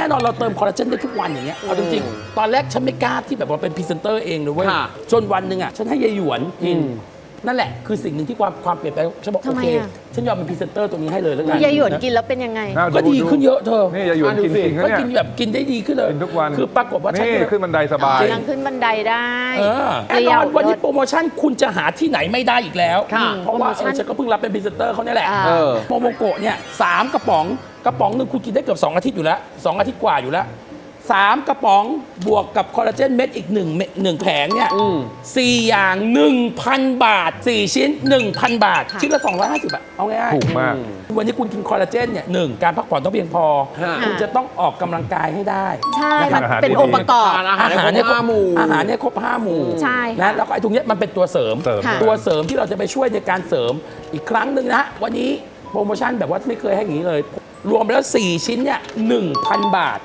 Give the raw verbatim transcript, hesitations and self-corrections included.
น่นอนเราเติมคอลลาเจนได้ทุกวันอย่างเงี้ยเอาจริงๆตอนแรกฉันไม่กล้าที่แบบว่าเป็นพรีเซนเตอร์เองเลยเว้ยจนวันหนึ่งอ่ะฉันให้ยายหยวนกินนั่นแหละคือสิ่งหนึ่งที่ความความเปลี่ยนแปลงฉันบอกโอเคฉันยอมเป็นพรีเซนเตอร์ตัวนี้ให้เลยแล้วกันยายหยวนกินแล้วเป็นยังไงก็ดีขึ้นเยอะเธอนี่ยายหยวนกินจริงก็เนี่ยกินแบบกินได้ดีขึ้นเลยกินทุกวันคือปรากฏว่าฉันนี่ขึ้นบันไดสบายยังขึ้นบันไดได้เออแน่นอนวันนี้โปรโมชั่นคุณจะหาที่ไหนไม่ได้อีกแล้วค่ะเพราะว่าโปรโมชั่นเออฉันก็เพิ่งรับเป็นพรีเซนเตอร์เขาเนี่ยแหละอ่าเออโมโมโกะเนี่ยสามกระป๋องกระป๋องหนึ่งคุณกินได้เกือบสองอาทิตย์อยู่แล้วสองอาทิตย์กว่าอยู่แล้วสามกระป๋องบวกกับคอลลาเจนเม็ดอีกหนึ่งเม็ดหนึ่งแผงเนี่ยสี่อย่างหนึ่งพันบาทสี่ชิ้นหนึ่งพันบาทชิ้นละสองร้อยห้าสิบบาทเอาง่ายๆถูกมากวันนี้คุณกินคอลลาเจนเนี่ยหนึ่งการพักผ่อนต้องเพียงพอฮะคุณจะต้องออกกำลังกายให้ได้ใช่นะคมัรับนเป็นองค์ประกอบทานอาหารให้ครบห้าหมู่อาหารเนี่ยครบห้าหมู่ใช่นะแล้วก็ไอ้ตรงเนี้ยมันเป็นตัวเสริมเสริมค่ะตัวเสริมที่เราจะไปช่วยในการเสริมอีกครั้งหนึ่งนะฮะวันนี้โปรโมชั่นแบบว่าไม่เคยให้อย่างนี้เลย รวมแล้วสี่ชิ้นเนี่ยหนึ่งพันบาท